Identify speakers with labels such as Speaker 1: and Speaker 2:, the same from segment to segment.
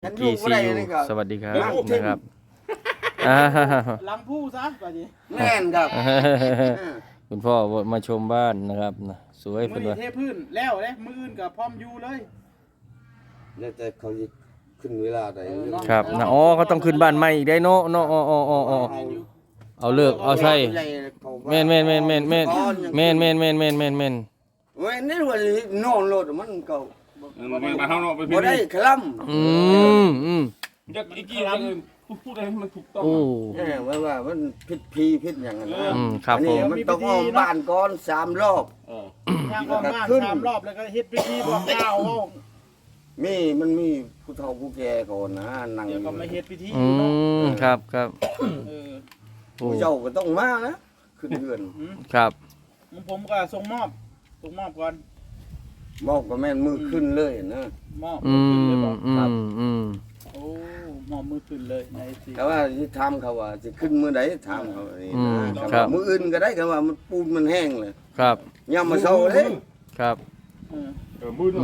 Speaker 1: กี่ซีอูสวัสดีครับนะครับ
Speaker 2: ลังผู้ซะป่ะนี่
Speaker 3: แม่นครับ
Speaker 1: คุณพ่อมาชมบ้านนะครับนะสวย
Speaker 2: มื
Speaker 1: เป็
Speaker 2: อน นี่
Speaker 1: ว่า
Speaker 2: เทพื้นแล้วเลยมืออื่นกับพร้อมอยู่เลย
Speaker 3: แล้วแต่เขาจะขึ้นเวลาใด
Speaker 1: ครับนะอ๋อเขาต้องขึ้นบ้านใหม่อีกได้เนาะเนาะอ๋อเอาเลิกเอาใช่แม่น
Speaker 3: เว้ยนี่ว่านอนรถมันก็
Speaker 4: มาเท่าเนาะไป
Speaker 3: บ่ได้คล่ำ
Speaker 4: อยากอีกกี่พูดอะไรให้มันถูกต้อง
Speaker 1: โอ้
Speaker 3: ว่ามันผิดพีผิดอย่างนั้นนะครับ
Speaker 1: ผ
Speaker 3: นี่
Speaker 1: ม
Speaker 3: มันต้องอ้อมบ้านก่อน3รอบ
Speaker 2: ย่างออกบ้าน3 รอบแล้วก็เฮ็ดพิธีบอกกล่าวว่า
Speaker 3: มันมีผู้เฒ่าผู้แก่ก่อนนะนั่ง
Speaker 2: เดี๋ยวก็มาเฮ็ดพิธี
Speaker 1: ครับ
Speaker 2: เออ
Speaker 3: ผู้เจ้าก็ต้องมานะขึ้นเรือน
Speaker 1: ครับ
Speaker 2: ผมก็ส่งมอบก่อน
Speaker 3: มอบก็แม่นมือขึ้นเลยนะ
Speaker 2: มอบ
Speaker 1: อื
Speaker 2: ขึ้นเลย
Speaker 1: ม
Speaker 2: บอก โอ้มอบมือขึ้นเลยในสิ
Speaker 3: แต่ว่าที่ถามเขาว่าจะขึ้นมื้อใดถามเขานี่นะมื้ออื่นก็ได้กันว่ามันปูนมันแห้งเลย
Speaker 1: ครับ
Speaker 3: ยามมาเช้าเด้
Speaker 1: ครับ
Speaker 4: มือเนาะ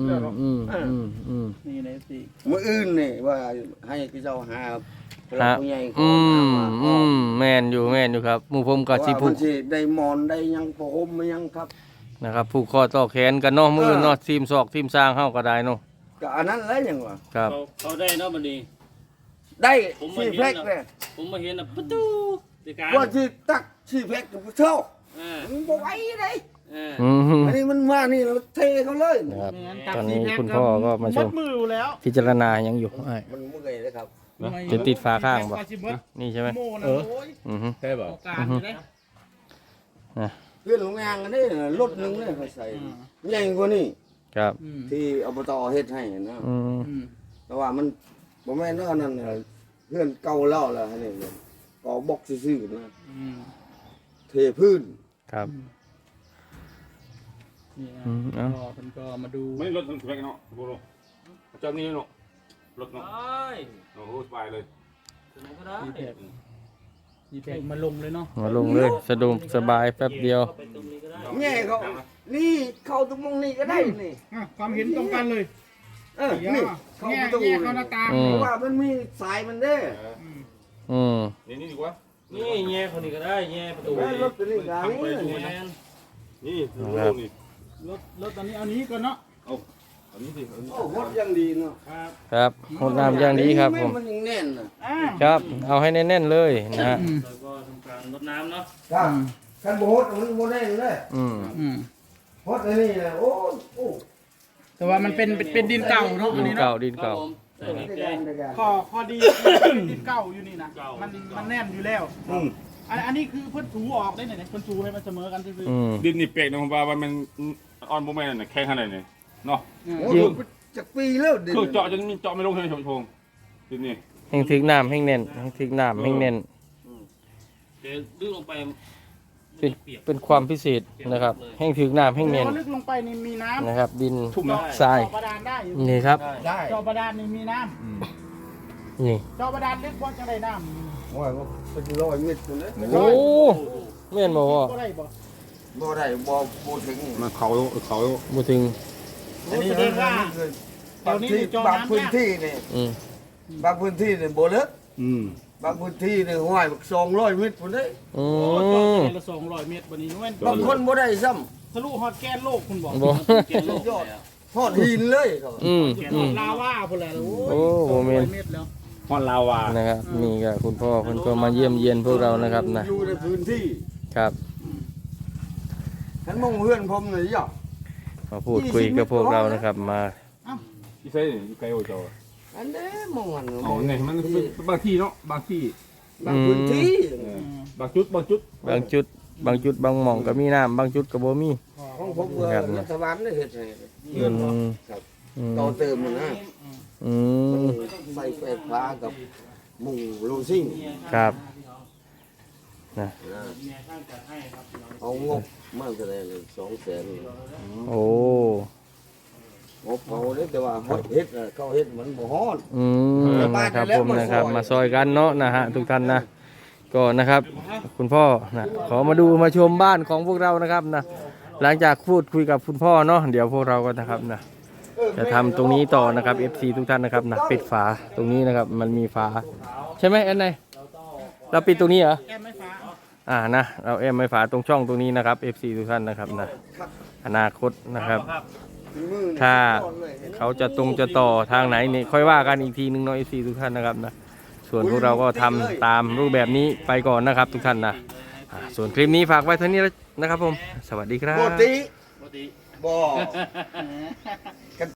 Speaker 2: นี่ในสิ
Speaker 3: มื้ออื่นนี่ว่าให้พี่เจ้าหาผู้ใหญ่เขา
Speaker 1: แม่นอยู่ครับหมู่ผมก็สิผูก
Speaker 3: สิได้หมอนได้ยังผ้าห่มมายังครับ
Speaker 1: นะครับผูกคอต่อแขนกันเนาะมือเนาะทีมศอกทีมสร้างเฮาก็ได้เนาะ
Speaker 3: ก็อันนั้นแหละยังว่า
Speaker 1: ครับ
Speaker 5: เขาได้เนาะบัดนี้
Speaker 3: ได้ชีแพ็กเลย
Speaker 5: ผมมาเห็นประตูติการ
Speaker 3: ว่าสิตักชีแพ็กกับเท่า
Speaker 5: อ่า
Speaker 3: มันบ่ไหวเลย
Speaker 5: อ่า
Speaker 3: อันนี้มันมานี่เราเทเขาเลย
Speaker 1: นะครับตอนนี้คุณพ่อก็มาช
Speaker 2: ม
Speaker 1: ม
Speaker 2: ดมือแล้ว
Speaker 1: พิจารณายังอยู่
Speaker 3: มันเมื่อยเลยครับ
Speaker 1: จะติดฝาข้างบ่นี่ใช่ไหม
Speaker 2: โม่นะโอ้ย
Speaker 4: ใช่ป่ะ
Speaker 2: โอกาสอยู่นะ
Speaker 3: เพื่อนโรงงานกันนี่รถนึงเนี่ยเขาใส่ใหญ่กว่านี้
Speaker 1: ครับ
Speaker 3: ที่อบตเฮ็ดให้นะ แต่ว่ามันบ่แม่นว่านั่นน่ะเพื่อนเก่าเล่าแล้วอันนี่ก็บอกซื่อๆนะเทพื้น
Speaker 1: ครับ
Speaker 2: นี่นะ
Speaker 1: เอ้า
Speaker 2: ก็มันก็มาดู
Speaker 4: ไม่รถแพ็กเนาะโบโลเจ้านี่เนาะรถเนาะ
Speaker 5: ได้
Speaker 4: โอ้โหสบายเลย
Speaker 5: สนุกก็ได้
Speaker 2: ยีแพกมาลงเลยเนาะ
Speaker 1: มาลงเลยสะดวกสบายแป๊บเดียว
Speaker 5: ไปตรงนี้ก็ได้
Speaker 3: แง่เขานี่เข้าตรงมงนี่ก็ได้นี่
Speaker 2: ความเห็นตรงกันเลย
Speaker 3: นี่เข้าประตู
Speaker 2: แง่เข้าหน้าต่าง
Speaker 3: เพราะว่ามันมีสายมันเด้
Speaker 4: นี่ดีกว่า
Speaker 5: นี่แง่คนนี้ก็ได้แง่ประตู
Speaker 3: แล้วรถตัวนี้ก็
Speaker 5: ไป
Speaker 3: นี่
Speaker 5: ดูแมน
Speaker 4: นี่นี่
Speaker 2: รถตอนนี้เอานี้ก่อนเนาะ
Speaker 4: เอาอันนี้สิ
Speaker 3: โอ้รถยังดีเนาะ
Speaker 1: ครับหดน้ำอย่างดีครับผม
Speaker 3: มันยังแน่นน่ะ
Speaker 1: ครับ เอาให้แน่นๆเลยนะฮะ
Speaker 5: แล้วก็ทำการรดน้ำเนาะ
Speaker 3: ครับคันบ่ฮดมันบ่แน่นเลย ฮดอันนี้น่ะโอ้
Speaker 2: แต่ว่ามันเป็นดินเก่าเนาะอัน
Speaker 1: ดิน
Speaker 2: นี้
Speaker 1: เก่า
Speaker 2: เนาะ
Speaker 1: ดินเก่า
Speaker 5: ใส่
Speaker 3: ได้
Speaker 5: แก้
Speaker 3: การได้การ
Speaker 2: ข้อดีเป็นดินเก่าอยู่นี่นะมันแน่นอยู่แล้วอันนี้คือเพิ่นถูออกได้ไหนเพิ่นถูให้มันเสมอกันซื่อ
Speaker 4: ดินนี่เปียกนะผมว่ามันอ่อนโบแม่น่ะแข็งขนาดไหนเนาะ
Speaker 3: โอ้จักปีแล้วดิ
Speaker 4: เครื่องเจาะจนมีเจาะไม่ลงใช่ไหมชงดินนี่
Speaker 1: แห้งถึกน้ำแห้งแน่นแห้งถึกน้ำแห้งแน่น
Speaker 5: เดี๋ยวดึงลงไป
Speaker 1: เป็นความพิเศษนะครับแห้งถึกน้ำ
Speaker 2: ๆ
Speaker 1: แห้งแน่น
Speaker 2: พอลึกลงไปนี่มีน้ำ
Speaker 1: นะครับ ดิน
Speaker 4: ทุ่มนะ
Speaker 1: ทราย
Speaker 2: เจาะบาดาลได้อยู่
Speaker 1: นี่ครับ
Speaker 3: ได้
Speaker 2: เจาะบาดาลนี่มีน้ำ
Speaker 1: นี่
Speaker 2: เจาะบาดาลลึกพอจะได้น้ำ
Speaker 3: โอ้ยเป็น100เมตรพุ่นเลย
Speaker 1: โอ้แม่นบ่พ่อ
Speaker 2: ก็ได้บ่
Speaker 3: บ่ได้บ่ถึง
Speaker 4: มาเขา
Speaker 1: บ่ถึง
Speaker 3: อันนี้
Speaker 2: แสดงว่า
Speaker 3: บางที่บางพื้นที่นี่
Speaker 1: อืม
Speaker 3: บางพื้นที่นี่บ่ลึก
Speaker 4: อืม
Speaker 3: บางพื้นที่นี่ห้วยบัก200เมตรพุ่นเด้
Speaker 1: อื
Speaker 2: โอ้เจาะ
Speaker 1: ม
Speaker 2: ไปละ200 เมตรบัดนี้แม่น
Speaker 3: บางคนบ่ได้ซ้ำ
Speaker 2: ทะลุฮอดแกนโลกคุณบอก
Speaker 1: บ่
Speaker 5: เก็บลง
Speaker 3: ยอดฮอดหินเลยครับ
Speaker 1: อืม
Speaker 2: ฮอดลาวาพุ่นแหละโอ้
Speaker 1: โอ้
Speaker 2: ย
Speaker 1: โหแม่น
Speaker 2: 200 เมตรแล้ว
Speaker 4: ฮอนลาวา
Speaker 1: นะครับนี่ก็คุณพ่อเพิ่นก็มาเยี่ยมเยียนพวกเรานะครับนะ
Speaker 3: อยู่ในพื้นที่
Speaker 1: ครับ
Speaker 3: ฉันมองเพื่อนผมนี่ย่อ
Speaker 1: มาพูดคุยกับพวกเรานะครับมา
Speaker 4: อีเซ่อีไกโอเจ้า
Speaker 3: อันนี้มองอัน
Speaker 4: อ๋อเนี่ยมันบางที่เนาะบางที่
Speaker 3: บางพื้นที่
Speaker 4: บางจุด
Speaker 1: บางจุดบางจุดบางหม่องก็มีน้ำบางจุดก็บ่มี
Speaker 3: ของผมว่ารัฐบาลได้เฮ็ดให้
Speaker 1: อืมอืม
Speaker 3: ต่อเติมมันนะ
Speaker 1: อืม
Speaker 3: ใส่ไฟฟ้ากับมุงโลซิ่ง
Speaker 1: ครับนะ
Speaker 3: เอางบมากเท่าไหร่เลย200,000
Speaker 1: โอ้
Speaker 3: งบเขาเด้แต่ว่าเฮ็ดน่ะเขาเฮ็ดมันบ่ฮอด
Speaker 1: อืมนะครับผมนะครับมาซอยกันเนาะนะฮะทุกท่านนะก็นะครับ คุณพ่อนะขอมาดูมาชมบ้านของพวกเรานะครับนะหลังจากพูดคุยกับคุณพ่อเนาะเดี๋ยวพวกเราก็นะครับนะจะทำตรงนี้ต่อนะครับ FC ทุกท่านนะครับนะปิดฝาตรงนี้นะครับมันมีฝาใช่ไหมแอนไนเราปิดตรงนี้เหรอ
Speaker 2: แก้มไม่ฟ้า
Speaker 1: นะเราแอมไม่ฝาตรงช่องตรงนี้นะครับ FC ทุกท่านนะครับนะอนาคตนะครับ ถ้าเขาจะจะต่อทางไหนเนี่ยค่อยว่ากันอีกทีนึงเนาะ FC ทุกท่านนะครับนะส่วนพวกเราก็ทำตามรูปแบบนี้ไปก่อนนะครับทุกท่านนะส่วนคลิปนี้ฝากไว้เท่านี้นะครับผมสวัสดีครับ
Speaker 3: ปกติ
Speaker 5: ปกติ
Speaker 3: บ่